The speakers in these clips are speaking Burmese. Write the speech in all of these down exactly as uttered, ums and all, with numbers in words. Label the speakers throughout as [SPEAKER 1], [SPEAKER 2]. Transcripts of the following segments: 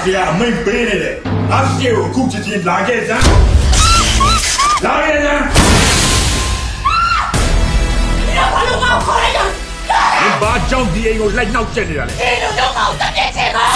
[SPEAKER 1] စီကအမိတ်ပေးနေတယ်ငါစီကိုအခုချက်ချင်းလာခဲ့စမ်းလာခဲ့စမ်းဘာလို့ငါခေါ်လိုက်တာဒီဘာကြောင့်ဒီအိမ်ကိုလိုက်နှောက်ကျက်နေတာလဲဒီလိုတော့ကောက်တဲ့ချေကော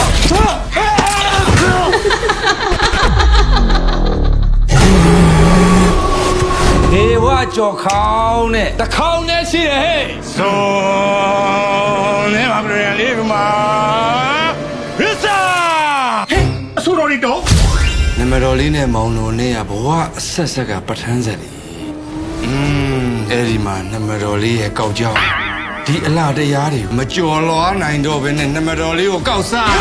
[SPEAKER 2] ဒေဝကြော်ခေါင်းနဲ့တခေါင်းနဲ့ရှိတယ်ဟဲ့
[SPEAKER 1] ဇွန်နေမှာပြန်လေးကမှာရစ္စာဟဲ့အဆိုတော်ရီတော့
[SPEAKER 2] နမတော်လေးနဲ့မောင်တော်နဲ့ကဘဝအဆက်ဆက်ကပဋ္ဌာန်းဆက်လေးอืมအဲ့ဒီမှာနမတော်လေးရဲ့ကောက်ကြောင်းဒီအလားတရားတွေမကြော်လွားနိုင်တော့ဘဲနဲ့နမတော်လေးကိုကောက်စား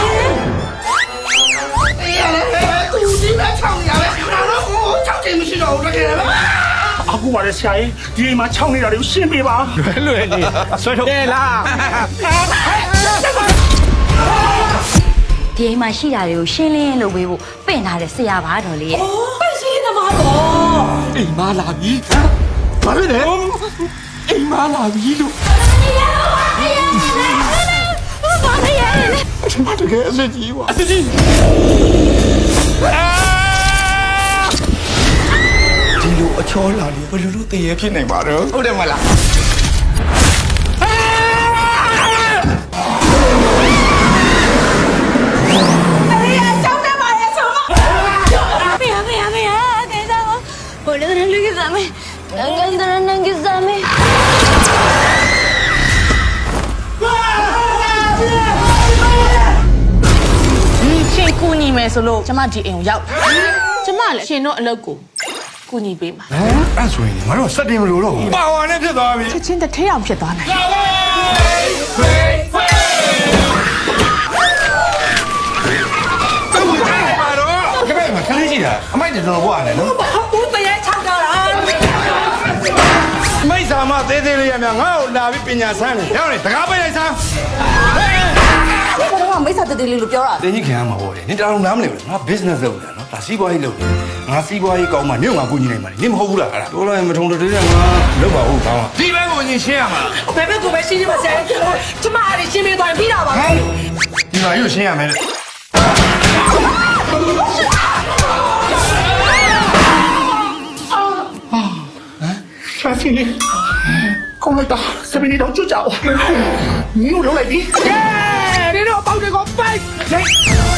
[SPEAKER 3] အေးရတယ်သူဒီမဲ့ချောင်းရပဲငါတို့ကိုချောင်းချင်းမရှိတော့ဘူးတကယ်ပဲ
[SPEAKER 1] အခုပါလေဆရာကြီးဒီအိမ်မှာခြောက်နေတာတွေကိုရှင်းပေးပါလွယ်လွယ်နေဆွဲထုတ်တယ်လား
[SPEAKER 4] ဒီအိမ်မှာရှိတာတွေကိုရှင်းလင်းလုပ်ပေးဖို့ပင့်ထားတဲ့ဆရာပါတော်လေးရဲ့
[SPEAKER 3] အိုးပစီသမားတော့
[SPEAKER 2] အိမ်မလာပြီဘာဖြစ်လဲအိမ်မလာပြီလို့
[SPEAKER 4] ဘာလဲရဲ့
[SPEAKER 2] အမတကယ်အစစ်ကြီးပါအစစ်ကြီးဒီလိုအချောလာလေဘယ်လိုလုပ်တည်ရဖြစ်နိုင်ပါတော့ဟုတ်တယ်မလား
[SPEAKER 4] Boleh lagi sama, jangan terus nangis sama.
[SPEAKER 3] ရှင်ကူညီမယ်ဆိုလို့ကျမဒီအိမ်ကိုရောက်ကျမလည်းရှင်တို့အလုပ်ကိုကူညီပေးမှာ
[SPEAKER 2] ဟမ်အဲ့ဆိုရင်ငါတို့စက်တင်မလို့တော့ပါဝါနဲ့ဖြစ်သွားပြီ
[SPEAKER 3] ချက်ချင်းတစ်ထဲအောင်ဖြစ်သွားနိုင်
[SPEAKER 2] ခလေးရှိတာအမိုက်တော်တော်ဘွားနဲ့နော်
[SPEAKER 3] ဘူးတရေချောက်တော့လား
[SPEAKER 2] မိတ်ဆာမသေးသေးလေးရမြငါ့ကိုလာပြီးပညာဆန်းနေရောက်နေတကားပိတ်လိုက်စမ်း
[SPEAKER 3] ဘာလို့မိတ်ဆာတည်းလေးလို့ပြောတာ
[SPEAKER 2] တင်းကြီးခံရမှာပေါ့လေနင်တောင်နားမလဲဘူးငါ business လုပ်နေတာနော်ဒါစီးပွားရေးလုပ်နေငါစီးပွားရေးကောင်းမှနင့်ငါကူညီနိုင်မှာနင်မဟုတ်ဘူးလားအဲ့ဒါတော်လိုက်မထုံတည်းတည်းငါလုပ်ပါဦးကောင်းဒီဘက်ကိုရင်ရှင်းရမှာ
[SPEAKER 3] ဘယ်ဘက်ကိုပဲရှင်းရမှာဆရာကျမအဲ့ဒီရှင်းပေးသွားရင်ပြီးတာပါဟဲ့
[SPEAKER 2] ဒီမှာရုပ်ရှင်းရမယ်
[SPEAKER 1] ရှာစီကောင်းလိုက်တာစပင်းတော့ကြွကြအောင်မင်းတို့လုံးလိုက်ပြီ
[SPEAKER 3] 耶你တို့ပေါက်တွေကိုပိုက်